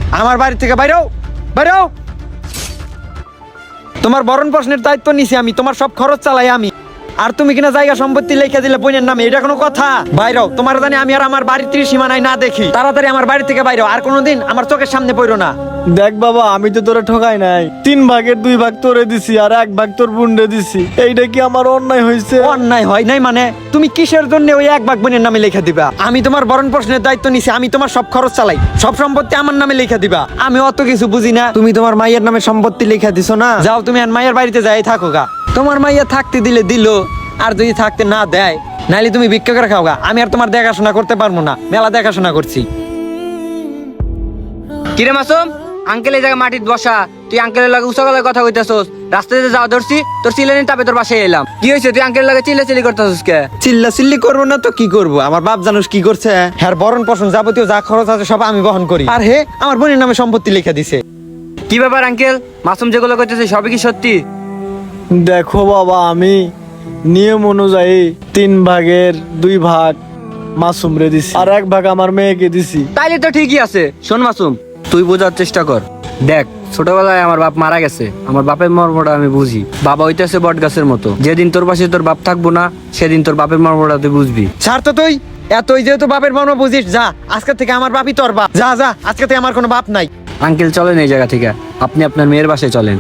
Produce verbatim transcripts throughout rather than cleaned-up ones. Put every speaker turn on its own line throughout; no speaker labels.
আমার বাড়ি থেকে বাইরো বাইরো। তোমার ভরণ পোষণের দায়িত্ব নিছি আমি, তোমার সব খরচ চালাই আমি, আর তুমি কিনা জায়গা সম্পত্তি লিখে দিলে বোনের নামে, এটা কোনো কথা? বাইরো, তোমার জানি আমি আর আমার বাড়ির ত্রিসীমানায় না দেখি। তাড়াতাড়ি আমার বাড়ি থেকে বাইরো, আর কোনোদিন আমার চোখের সামনে পড়ো না।
দেখ বাবা, আমি তো তোরে ঠকাই নাই। তিন ভাগের দুই ভাগ তোরে দিছি আর এক ভাগ তোর বুনরে দিছি। এইটা কি আমার অন্যায় হয়েছে?
অন্যায় হয় নাই মানে? তুমি কিসের জন্য ওই এক ভাগ বোনের নামে লিখে দিবা? আমি তোমার ভরণ পোষণের দায়িত্ব নিছি, আমি তোমার সব খরচ চালাই, সব সম্পত্তি আমার নামে লিখে দিবা। আমি অত কিছু বুঝি না। তুমি তোমার মাইয়ের নামে সম্পত্তি লিখে দিছো না, যাও তুমি আর মাইয়ের বাড়িতে যাই থাকো গা। তোমার মাইয়া থাকতে দিলে দিল, আর যদি থাকতে না দেয় নাইলে তুমি ভিক্ষা করে খাও গা। আমি আর তোমার দেখাশোনা করতে পারবো না, মেলা দেখাশোনা করছি।
কিরে মাসুম, আঙ্কেল এই জায়গায় মাটির বসা, তুই আঙ্কেলের লাগে উঁচা গলায় কথা কইতাছস। রাস্তাতে যাওয়া ধরছি, তোর চিল্লানি তাপে তোর বাসায় এলাম। কি হয়েছে, তুই আঙ্কেলের লাগে চিল্লা চিল্লি করতেছস কে?
চিল্লা চিল্লি করবো না তো কি করবো? আমার বাপ জানোস কি করছে? হ্যাঁ, ভরণ পোষণ যাবতীয় যা খরচ আছে সব আমি বহন করি, আর হে আমার বোনের নামে সম্পত্তি লিখে দিছে।
কি ব্যাপার আঙ্কেল, মাসুম যেগুলো কইতেছে সবই কি সত্যি?
দেখো বাবা, আমি নিয়ম অনুযায়ী তিন ভাগের দুই ভাগ মাসুমরে দিছি আর এক ভাগ আমার মেয়েকে দিছি।
তাইলে তো ঠিকই আছে। শোন মাসুম, তুই বোঝার চেষ্টা কর। দেখ, ছোটবেলায় আমার বাপ মারা গেছে, আমার বাপের মর্মটা আমি বুঝি। বাবা হইতেছে বট গাছের মতো, যেদিন তোর পাশে তোর বাপ থাকবো না সেদিন তোর বাপের মর্মটা তুই বুঝবি।
ছাড় তো তুই, এতই যেহেতু বাপের মর্ম বুঝিস, যা আজকে থেকে আমার বাপই তোর বাপ। যা যা, আজকে থেকে আমার কোনো বাপ নাই।
আঙ্কেল চলেন এই জায়গা থেকে, আপনি আপনার মেয়ের বাসায় চলেন।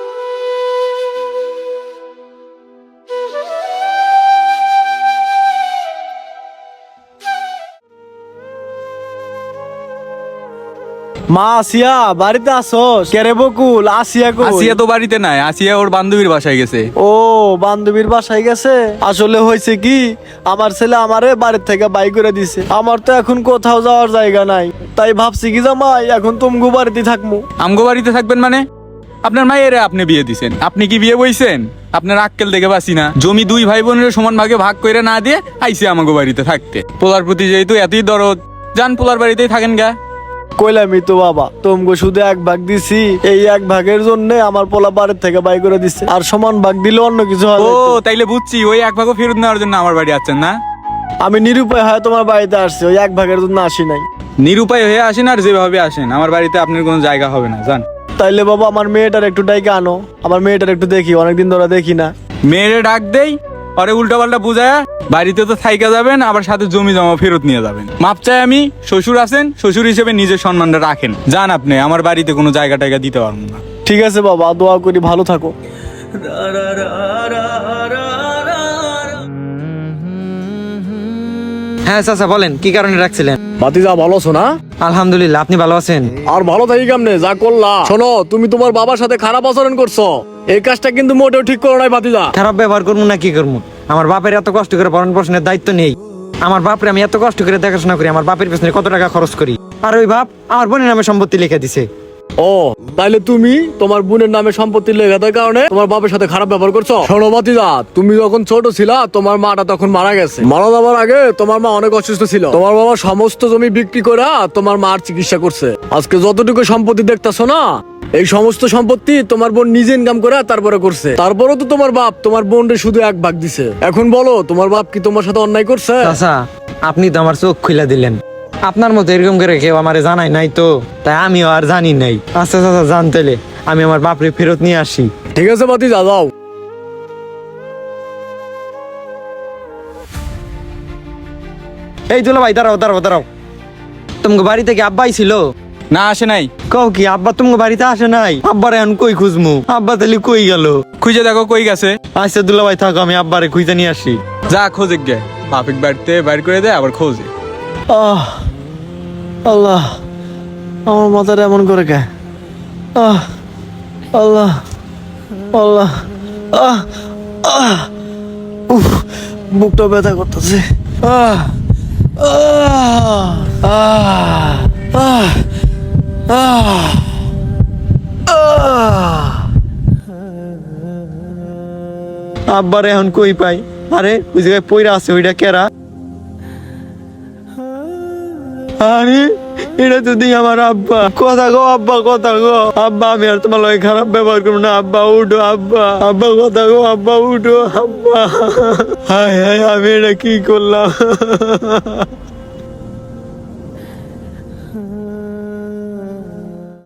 মা আসিয়া, বাড়িতে আসোস? কেরে বকুল, আসিয়া কই?
আসিয়া তো বাড়িতে নাই, আসিয়া ওর বান্ধবীর বাসায় গেছে।
ও, বান্ধবীর বাসায় গেছে। আসলে হয়েছে কি, আমার ছেলে আমারে বাড়ির থেকে বাই করে দিছে। আমার তো এখন কোথাও যাওয়ার জায়গা নাই, তাই ভাবছি কি জামাই এখন তুমগো বাড়িতে থাকবো।
আমগো বাড়িতে থাকবেন মানে? আপনার মায়েরে আপনি বিয়ে দিছেন, আপনি কি বিয়ে বইছেন? আপনার আক্কেল দেখে বাসি না? জমি দুই ভাই বোনের সমান ভাগে ভাগ করে না দিয়ে আইসে আমাগো বাড়িতে থাকতে। পোলার প্রতি যেহেতু এতই দরদ, যান পোলার বাড়িতেই থাকেন গা।
কইলামই তো বাবা, তুমগো শুধু এক ভাগ দিছি, এই এক ভাগের জন্য আমার পোলা বাড়ির থেকে বাই করে দিছে। আর সমান ভাগ দিলে অন্য কিছু হয়।
ও তাইলে বুঝছি, ওই এক ভাগও ফেরত নেওয়ার জন্য আমার বাড়ি আসছেন না?
আমি নিরুপায় হয় তোমার বাড়িতে আসছি, ওই এক ভাগের জন্য আসি নাই।
নিরুপায় হয়ে আসেন আর যেভাবে আসেন, আমার বাড়িতে আপনার কোনো জায়গা হবে না, যান।
তাইলে বাবা আমার মেয়েটার একটু ডাইকে আনো, আমার মেয়েটার একটু দেখি, অনেকদিন ধরে দেখি না।
মেয়েরে ডাক দেই, আরে উল্টা পাল্টা বুঝায়া বাড়িতে তো থাইকা যাবেন, আবার সাথে জমি জমা ফেরত নিয়ে যাবেন। মাপ চাই আমি, শ্বশুর আছেন, শ্বশুর হিসেবে নিজের সম্মানটা রাখেন। যান আপনি, আমার বাড়িতে কোনো জায়গা টায়গা দিতে পারবো না।
ঠিক আছে বাবা, দোয়া করি ভালো থাকো।
হ্যাঁ চাচা বলেন, কি কারণে রাখছিলেন?
ভাতিজা ভালো আছো না?
আলহামদুলিল্লাহ, আপনি ভালো আছেন?
আর ভালো থাকি কেমনে, যা করলা। শোনো, তুমি তোমার বাবার সাথে খারাপ আচরণ করছো, এই কাজটা কিন্তু মোটেও ঠিক করো নাই ভাতিজা।
খারাপ ব্যবহার করবো না কি করবো? আমার বাপের এত কষ্ট করে ভরণ পোষণের দায়িত্ব নেই। আমার বাপরে আমি এত কষ্ট করে দেখাশোনা করি, আমার বাপের পেছনে কত টাকা খরচ করি, আর ওই বাপ আমার বোনের নামে সম্পত্তি লিখে দিছে।
ও, তাইলে তুমি তোমার বোনের নামে সম্পত্তি লেখা দেওয়ার কারণে তোমার বাবার সাথে খারাপ ব্যবহার করছো। শোনো ভাতিজা, তুমি যখন ছোট ছিলা তোমার মাটা তখন মারা গেছে। মারা যাওয়ার আগে তোমার মা অনেক অসুস্থ ছিল। তোমার বাবা সমস্ত জমি বিক্রি করে তোমার মার চিকিৎসা করছে। আজকে যতটুকু সম্পত্তি দেখতেছো না, এই সমস্ত সম্পত্তি তোমার বোন নিজে ইনকাম করে তারপরে করছে। তারপরেও তো তোমার বাপ তোমার বোনরে শুধু এক ভাগ দিছে। এখন বলো, তোমার বাপ কি তোমার সাথে অন্যায় করছে?
চাচা, আপনি তো আমার চোখ খুলে দিলেন। আপনার মতো এরকম করে কেউ আমারে জানাই নাই তো, তাই আমিও আর জানি নাই। আচ্ছা চাচা, জানতেলে আমি আমার বাপরে ফেরত নিয়ে আসি।
ঠিক আছে ভাতিজা, যাও।
এই দুলা ভাই, দাঁড়াও দাঁড়াও দাঁড়াও। তোমাকে বাড়ি থেকে আব্বাই ছিল?
না, আসে নাই।
কও কি, আব্বা তোমাকে বাড়িতে আসে নাই? আব্বার এখন কই খুঁজমু? আব্বা তাহলে কই গেল?
খুঁজে দেখো কই গেছে।
আচ্ছা দুলা ভাই থাকো, আমি আব্বারে খুঁজে নিয়ে আসি।
যা খোঁজে গে, বাপিক বাড়িতে বাইর করে দেয় আবার খোঁজে।
আহ, আল্লাহ, আমার মাথাটা এমন করে কে? আহ, আল্লাহ, আল্লাহ, আহ, আহ, উফ, বুকটা ব্যথা করতেছে। আহ, আহ, আহ, আহ, আহ, আহ।
আব্বারে এখন কই পাই? আরে ওই জায়গায় পইরা আছে, ওইটা কেরা? আরে এটা তো দিই আমার আব্বা। কথা গো আব্বা, কথা গো আব্বা, আমি আর তোমার লগে খারাপ ব্যবহার করবো না। আব্বা উঠো, আব্বা, আব্বা কথা গো আব্বা, উঠো আব্বা। হায় হায়, আমি এটা কি করলাম?